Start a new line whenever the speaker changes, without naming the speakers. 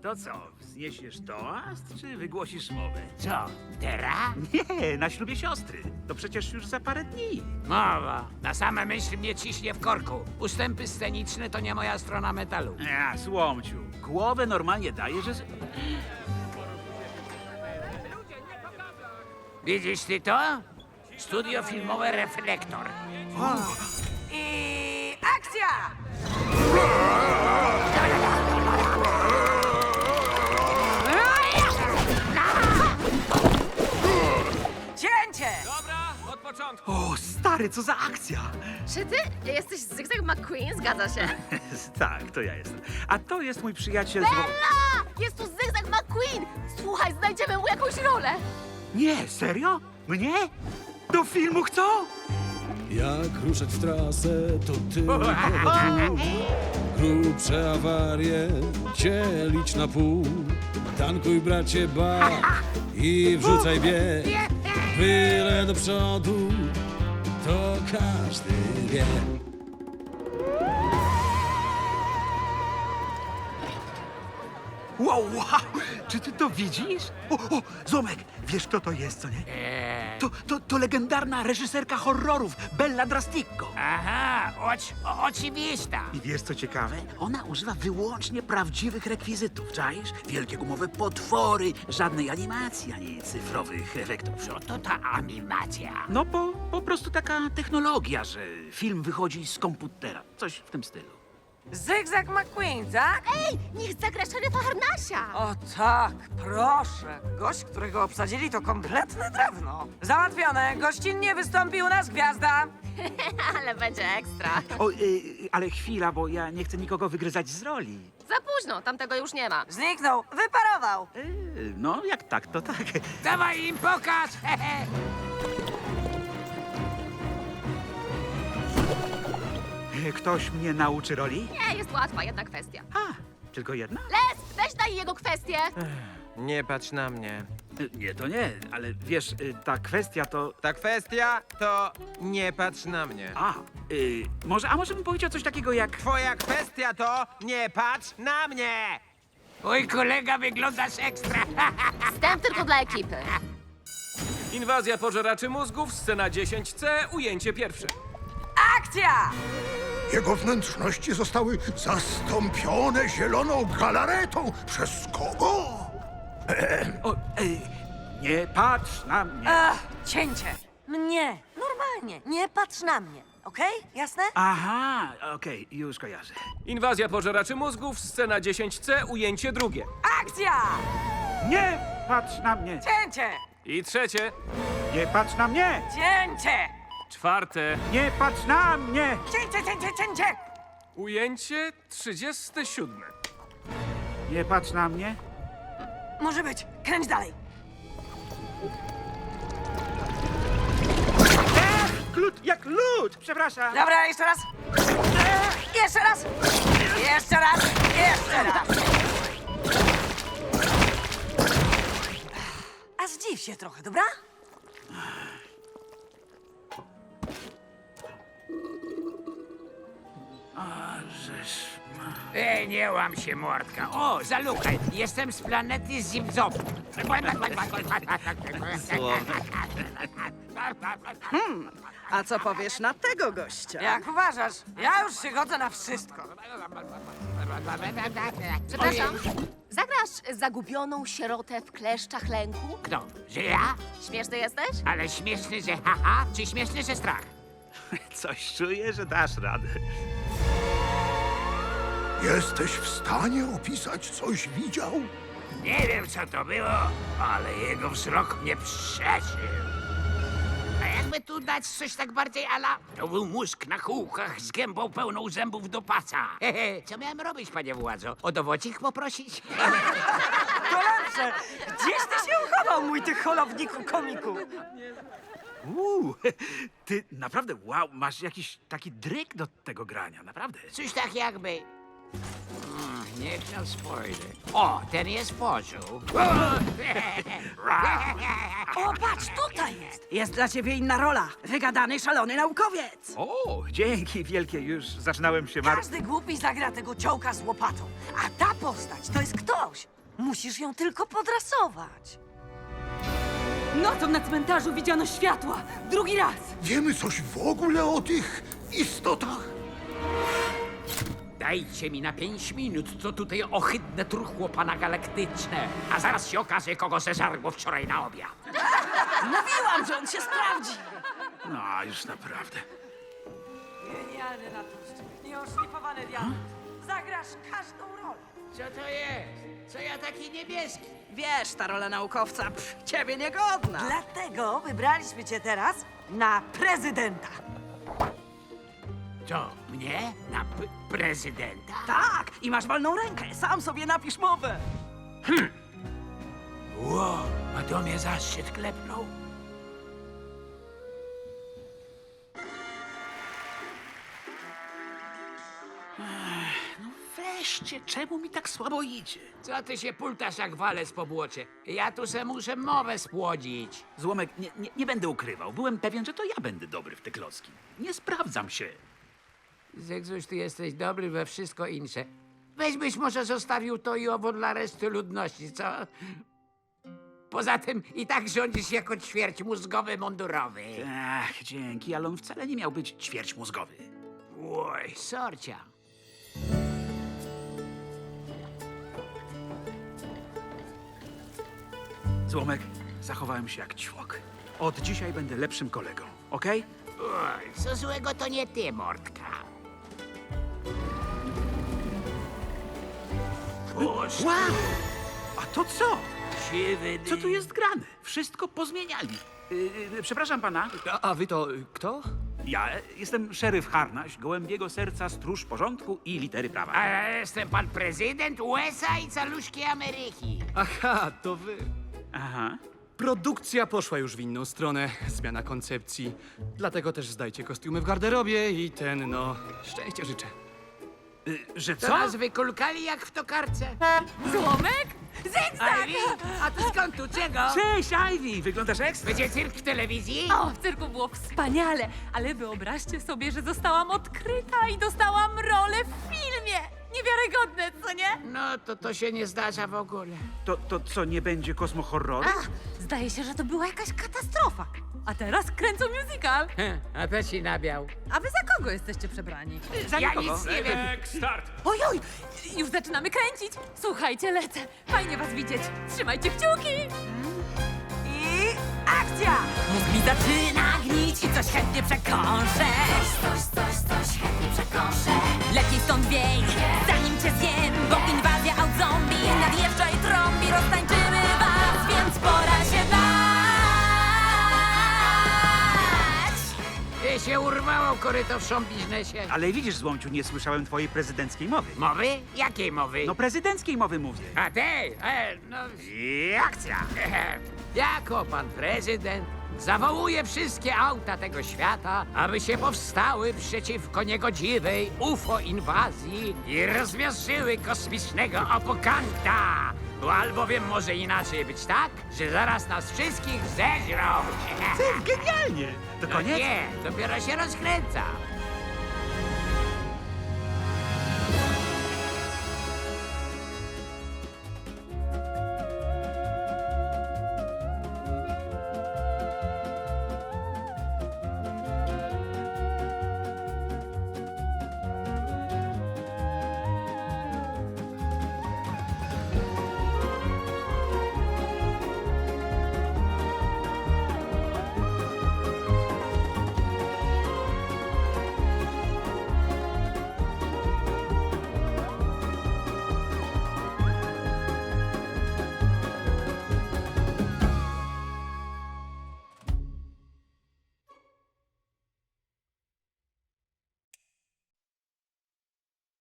To co, wzniesiesz toast, czy wygłosisz mowę?
Co, teraz?
Nie, na ślubie siostry. To przecież już za parę dni.
Mowa. Na same myśl mnie ciśnie w korku. Ustępy sceniczne to nie moja strona metalu.
Ja, słomciu, głowę normalnie daje, że...
Widzisz ty to? Studio filmowe Reflektor.
I akcja! Cięcie!
Dobra, od początku.
O, stary, co za akcja!
Czy ty jesteś Zygzak McQueen? Zgadza się.
Tak, to ja jestem. A to jest mój przyjaciel...
Bella! Jest tu Zygzak McQueen! Słuchaj, znajdziemy mu jakąś rolę.
Nie, serio? Mnie? Do filmu chcą?
Jak ruszać w trasę, to tylko tu. Grubsze awarie dzielić na pół. Tankuj, bracie, ba i wrzucaj bieg. Byle do przodu, to każdy wie.
Wow, wow! Czy ty to widzisz? O, Zomek, wiesz kto to jest, co nie? To legendarna reżyserka horrorów, Bella Drasticco.
Aha, oczywista.
I wiesz co ciekawe? Ona używa wyłącznie prawdziwych rekwizytów, czaisz? Wielkie gumowe potwory, żadnej animacji, ani cyfrowych efektów.
Co to ta animacja?
No po prostu taka technologia, że film wychodzi z komputera. Coś w tym stylu.
Zygzak McQueen, tak?
Ej, niech zagra szeryfa Harnasia.
O tak, proszę. Gość, którego obsadzili, to kompletne drewno. Załatwione. Gościnnie wystąpi u nas gwiazda.
Ale będzie ekstra.
O, ale chwila, bo ja nie chcę nikogo wygryzać z roli.
Za późno, tamtego już nie ma.
Zniknął, wyparował.
No, jak tak, to tak.
Dawaj im pokaż! Hehe.
Ktoś mnie nauczy roli?
Nie, jest łatwa, jedna kwestia.
A, tylko jedna?
Les, weź daj jego kwestię.
Nie patrz na mnie.
Nie, to nie, ale wiesz, ta kwestia to...
Ta kwestia to nie patrz na mnie.
Może bym powiedział coś takiego jak...
Twoja kwestia to nie patrz na mnie!
Mój kolega wyglądasz ekstra.
Wstęp tylko dla ekipy.
Inwazja pożeraczy mózgów, scena 10C, ujęcie pierwsze.
Akcja!
Jego wnętrzności zostały zastąpione zieloną galaretą. Przez kogo?
O, nie patrz na mnie.
Cięcie. Mnie. Normalnie. Nie patrz na mnie. Okej? Jasne?
Aha, okej, już kojarzę.
Inwazja pożeraczy mózgów, scena 10C, ujęcie drugie.
Akcja!
Nie patrz na mnie.
Cięcie!
I trzecie,
Nie patrz na mnie.
Cięcie!
czwarte,
Nie patrz na mnie.
Cięcie!
ujęcie 37.
Nie patrz na mnie.
Może być. Kręć dalej.
Glut jak lód, przepraszam.
Dobra, jeszcze raz. Jeszcze raz. Jeszcze raz. Jeszcze raz. A zdziw się trochę, dobra?
Nie łam się, mordka. O, zalukaj. Jestem z planety Zimzop.
A co powiesz na tego gościa?
Jak uważasz? Ja już się godzę na wszystko.
Przepraszam, zagrasz zagubioną sierotę w kleszczach lęku?
Kto? Że ja?
Śmieszny jesteś?
Ale śmieszny, że haha, czy śmieszny, że strach?
Coś czuję, że dasz radę.
Jesteś w stanie opisać, coś widział?
Nie wiem, co to było, ale jego wzrok mnie przeszył. A jakby tu dać coś tak bardziej ala... To był mózg na kółkach z gębą pełną zębów do pasa. Hehe, co miałem robić, panie władzo? O dowodzik poprosić?
To lepsze. Gdzieś ty się uchował, mój ty holowniku komiku?
Ty naprawdę, wow, masz jakiś taki dryk do tego grania, naprawdę.
Coś tak jakby... Niech no spojrzy. O, ten jest pożył.
O, patrz, tutaj jest! Jest dla ciebie inna rola. Wygadany, szalony naukowiec.
O, dzięki wielkie, już zaczynałem się
Każdy głupi zagra tego ciołka z łopatą. A ta postać to jest ktoś. Musisz ją tylko podrasować.
Nocą na cmentarzu widziano światła. Drugi raz.
Wiemy coś w ogóle o tych istotach?
Dajcie mi na 5 minut, co tutaj ohydne truchło pana galaktyczne. A zaraz się okaże, kogo zeżarło wczoraj na obiad.
Mówiłam, że on się sprawdzi.
No, już naprawdę.
Genialny naturszczyk, nieoszlifowany diament. Zagrasz każdą rolę.
Co to jest? Co ja taki niebieski?
Wiesz, ta rola naukowca, ciebie niegodna.
Dlatego wybraliśmy cię teraz na prezydenta.
Co, mnie? Na prezydenta?
Tak, i masz wolną rękę. Sam sobie napisz mowę.
Ło, a to mnie zaszczyt klepnął.
Weźcie, czemu mi tak słabo idzie?
Co ty się pultasz jak walec po błocie? Ja tu se muszę mowę spłodzić.
Złomek, nie będę ukrywał. Byłem pewien, że to ja będę dobry w te klocki. Nie sprawdzam się.
Zegzuś, ty jesteś dobry we wszystko inne. Weź byś może zostawił to i owo dla reszty ludności, co? Poza tym i tak rządzisz jako ćwierć mózgowy mundurowy.
Ach, dzięki, ale on wcale nie miał być ćwierć mózgowy.
Oj, sorcia.
Złomek, zachowałem się jak ćwok. Od dzisiaj będę lepszym kolegą, okej?
Oj, co złego to nie ty, Mordka. Puść,
Wow! A to co?
siwy
Co tu jest grane? Wszystko pozmieniali. Przepraszam pana.
A wy to kto?
Ja jestem szeryf Harnaś, gołębiego serca, stróż porządku i litery prawa.
A ja jestem pan prezydent USA i caluszki Ameryki.
Aha, to wy.
Aha.
Produkcja poszła już w inną stronę, zmiana koncepcji. Dlatego też zdajcie kostiumy w garderobie i szczęścia życzę.
Że
To
co?
nas wykulkali jak w tokarce.
Złomek? Zygzak!
Ivy, a ty skąd tu czego?
Cześć, Ivy! Wyglądasz ekstra.
Będzie cyrk w telewizji?
O, w cyrku było wspaniale, ale wyobraźcie sobie, że zostałam odkryta i dostałam rolę w filmie. Niewiarygodne, co nie?
No, to się nie zdarza w ogóle.
To co, nie będzie kosmohorroru?
Zdaje się, że to była jakaś katastrofa. A teraz kręcą musical.
A to ci nabiał.
A wy za kogo jesteście przebrani?
Za
Ja
nikogo.
nic nie wiem.
Start!
Ojoj, już zaczynamy kręcić. Słuchajcie, lecę. Fajnie was widzieć. Trzymajcie kciuki.
I akcja!
Mózg mi zaczyna gnić i coś chętnie przekąszę. Coś chętnie przekąszę. Lepiej stąd wiej, zanim cię zjem, bo inwazja out zombie nadjeżdża i trąbi. Roztańczymy was, więc pora się bać.
Się urwało koryto w show biznesie.
Ale widzisz, Złomciu, nie słyszałem twojej prezydenckiej mowy.
Mowy? Jakiej mowy?
No prezydenckiej mowy mówię.
A tej? No i akcja. Jako pan prezydent zawołuje wszystkie auta tego świata, aby się powstały przeciwko niegodziwej UFO-inwazji i rozmiażdżyły kosmicznego opokanta. Bo albowiem może inaczej być tak, że zaraz nas wszystkich zeżrą.
Genialnie! To koniec?
Nie, dopiero się rozkręca.